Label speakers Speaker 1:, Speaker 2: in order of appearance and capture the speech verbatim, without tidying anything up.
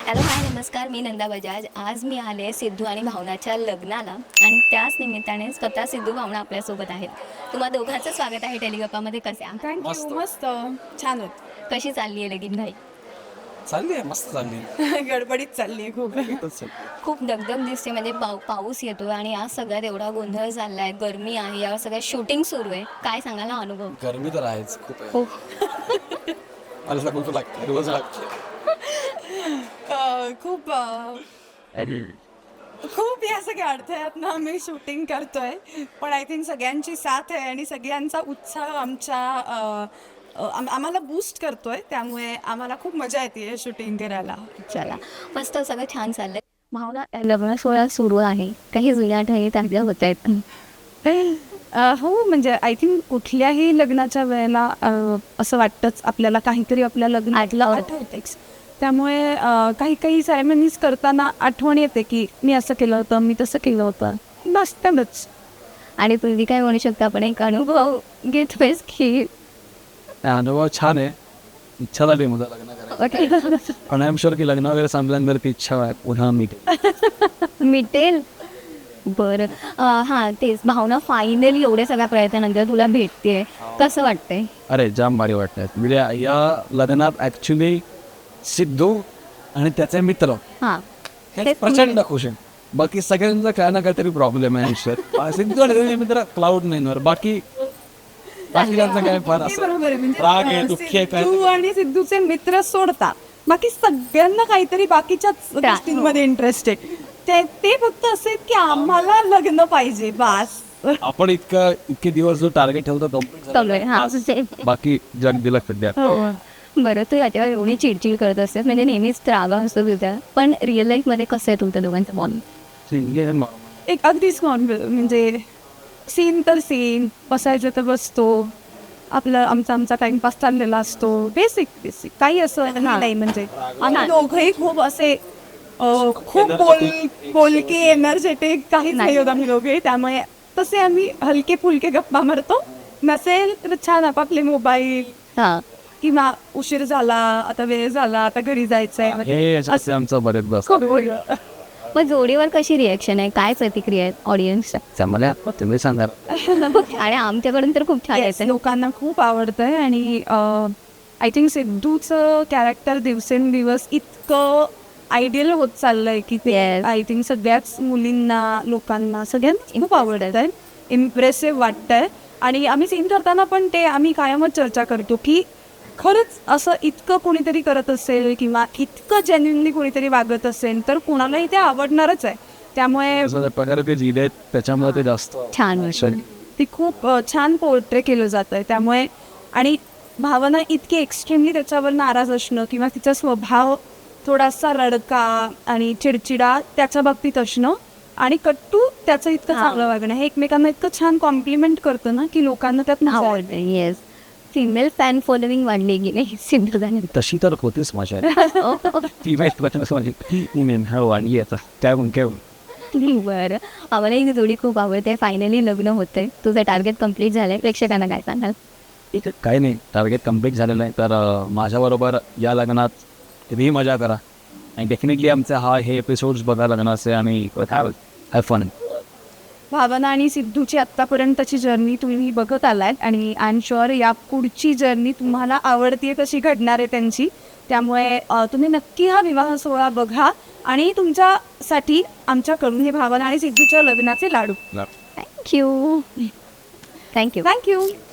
Speaker 1: Hello hi नमस्कार, मी नंदा बजाज. आज मी आले सिद्धू आणि भावनाच्या लग्नाला आणि त्याच निमित्ताने स्वतः सिद्धू भावना आपल्यासोबत आहेत. तुम्हा दोघांचं स्वागत आहे टेलिगप्पामध्ये. कसे आहात?
Speaker 2: थँक्यू. मस्त छान होत.
Speaker 1: कशी चालली आहे लगीन घाई?
Speaker 3: चालली आहे, मस्त चालली आहे.
Speaker 2: गडबडीत चालली आहे खूप.
Speaker 1: खूप दगदग दिसते, म्हणजे पाऊ पाऊस येतोय आणि आज सगळ्यात एवढा गोंधळ चाललाय, गरमी आहे, यावर सगळ्या शूटिंग सुरू आहे. काय सांगाल हा अनुभव?
Speaker 3: गरमी तर आहेच खूप आहे.
Speaker 1: हो.
Speaker 3: मला सगळं लागतं, रोज लागतं.
Speaker 2: अं, खूप अं, खूप या सगळ्या अडथळ्यातनं आम्ही शूटिंग करतोय, पण आय थिंक सगळ्यांची साथ आहे आणि सगळ्यांचा उत्साह आमच्या अं, अं, आम- आम्हाला बूस्ट करतोय, त्यामुळे आम्हाला खूप मजा येते शूटिंग करायला.
Speaker 1: चला, मस्त सगळं छान चाललंय. भावना, लग्न सोहळा सुरू आहे, काही जुन्या आठवणी ताज्या होत आहेत.
Speaker 2: अं, हो, म्हणजे आय थिंक कुठल्याही लग्नाच्या वेळेला अं, असं वाटतंच आपल्याला काहीतरी आपल्या लग्नात
Speaker 1: आठलं
Speaker 2: आठवतेच. त्यामुळे अं, काही काही सेरेमनीज करताना आठवण येते की मी असं केलं होतं, मी तसं केलं होतं, नसतंच.
Speaker 1: आणि तुम्ही काय म्हणू शकता, आपण एक अनुभव घेतोयस की
Speaker 3: अनुभव छान आहे. इच्छा झाली मला लग्न करायची, पण आय एम शुअर की लग्न वगैरे संपल्यानंतर ती इच्छा आहे पुन्हा मी
Speaker 1: मिटेल. बरं, अं, हां तेच, भावना फायनली एवढ्या सगळ्या प्रयत्नानंतर तुला भेटते, कसं वाटतंय?
Speaker 3: अरे जाम भारी वाटत. म्हणजे या लग्नात ऍक्च्युली सिद्धू आणि त्याचे मित्र
Speaker 1: हां
Speaker 3: हे प्रचंड खुश आहे. बाकी सगळ्यांचा काय ना काहीतरी प्रॉब्लेम आहे आयुष्यात. सिद्धू आणि त्याचे मित्र क्लाउड नाईनवर, बाकी बाकीच्यांचं काय फार
Speaker 2: ते
Speaker 3: असं
Speaker 2: बरोबर आहे. म्हणजे
Speaker 3: राग आहे, दुःखी आहे, काय
Speaker 2: सिद्धू आणि सिद्धूचे मित्र सोडता बाकी सगळ्यांना काहीतरी बाकीच्याच गोष्टींमध्ये इंटरेस्ट आहे. ते ते फक्त असे की आम्हाला लग्न पाहिजे बास.
Speaker 3: आपण इतका इतके दिवस जो टार्गेट ठेवतो तो
Speaker 1: चालूय. हां
Speaker 3: बाकी जग दिलं सध्या.
Speaker 1: बरं, तू याच्यावर एवढी चिडचिड करत असतेस, म्हणजे नेहमीच त्रागा असतो तुझ्या, पण रिअल लाईफमध्ये कसं आहे तुमच्या दोघांचं बॉन्ड?
Speaker 2: एक अगदीच नॉन म्हणजे सीन तर सीन, बसायचं तर बसतो, आपलं आमचा आमचा टाइमपास चाललेला असतो, बेसिक बेसिक काही असं नाही. म्हणजे आम्ही दोघंही खूप असे अं, खूप बोल बोलके एनर्जेटिक काहीच नाही होत आम्ही दोघे. त्यामुळे तसे आम्ही हलके फुलके गप्पा मारतो. नसेल तर छान आपापले मोबाईल,
Speaker 1: हां,
Speaker 3: किंवा
Speaker 2: उशीर झाला, आता वेळ झाला, आता घरी जायचंय,
Speaker 3: हे असं आमचं बरेच बस.
Speaker 1: मग जोडीवर कशी रिॲक्शन आहे, काय प्रतिक्रिया आहेत ऑडियन्सच्या?
Speaker 3: मला तुम्ही सांगा.
Speaker 1: आणि आमच्याकडून तर खूप छान
Speaker 2: Yes,
Speaker 1: येतं.
Speaker 2: लोकांना खूप आवडतंय आणि आय थिंक सिद्धूचं कॅरेक्टर दिवसेंदिवस इतकं आयडियल होत चाललंय की ते
Speaker 1: Yes.
Speaker 2: आय थिंक सगळ्याच मुलींना, लोकांना, सगळ्यांना खूप आवडत आहे, इम्प्रेसिव्ह वाटतंय. आणि आम्ही सीन करताना पण ते आम्ही कायमच चर्चा करतो की खरंच असं इतकं कोणीतरी करत असेल किंवा इतकं जेन्युइनली कोणीतरी वागत असेल तर कोणालाही ते आवडणारच आहे. त्यामुळे
Speaker 3: प्रकारे ते लिहिले त्याच्यामुळे ते जास्त
Speaker 1: छान वाटतं.
Speaker 2: ती खूप अ, छान पोर्ट्रे केलं जातं आहे. त्यामुळे आणि भावना इतकी एक्स्ट्रीमली त्याच्यावर नाराज असणं किंवा तिचा स्वभाव थोडासा रडका आणि चिडचिडा त्याच्या बाबतीत असणं आणि कट्टू त्याचं इतकं
Speaker 1: हा.
Speaker 2: चांगलं वागणं हे एकमेकांना इतकं छान कॉम्प्लिमेंट करतं ना की लोकांना त्यात मजा येते.
Speaker 1: आवडतं. येस, फिमेल फॅन फॉलोविंग वाढली गेली सिंधुदाने.
Speaker 3: तशी तर होतीच मजा. आणि आता काय म्हणून काय
Speaker 1: बरं, आम्हाला ही जोडी खूप आवडते. फायनली लग्न होतंय, तुझं टार्गेट कम्प्लीट झालंय, प्रेक्षकांना काय सांगाल?
Speaker 3: काही नाही, टार्गेट कम्प्लीट झालेलं आहे. तर अं, माझ्याबरोबर या लग्नात तुम्ही मजा करा आणि डेफिनेटली आमचा हा हे एपिसोड्स बघा लग्नाचे आणि हॅव फन.
Speaker 2: भावना आणि सिद्धूची आत्तापर्यंतची जर्नी तुम्ही बघत आलात आणि आय एम शुअर या पुढची जर्नी तुम्हाला आवडतीये कशी घडणार आहे त्यांची. त्यामुळे अ, तुम्ही नक्की हा विवाह सोहळा बघा आणि तुमच्यासाठी आमच्याकडून हे भावना आणि सिद्धूच्या लग्नाचे लाडू.
Speaker 1: Thank you thank you
Speaker 2: thank you.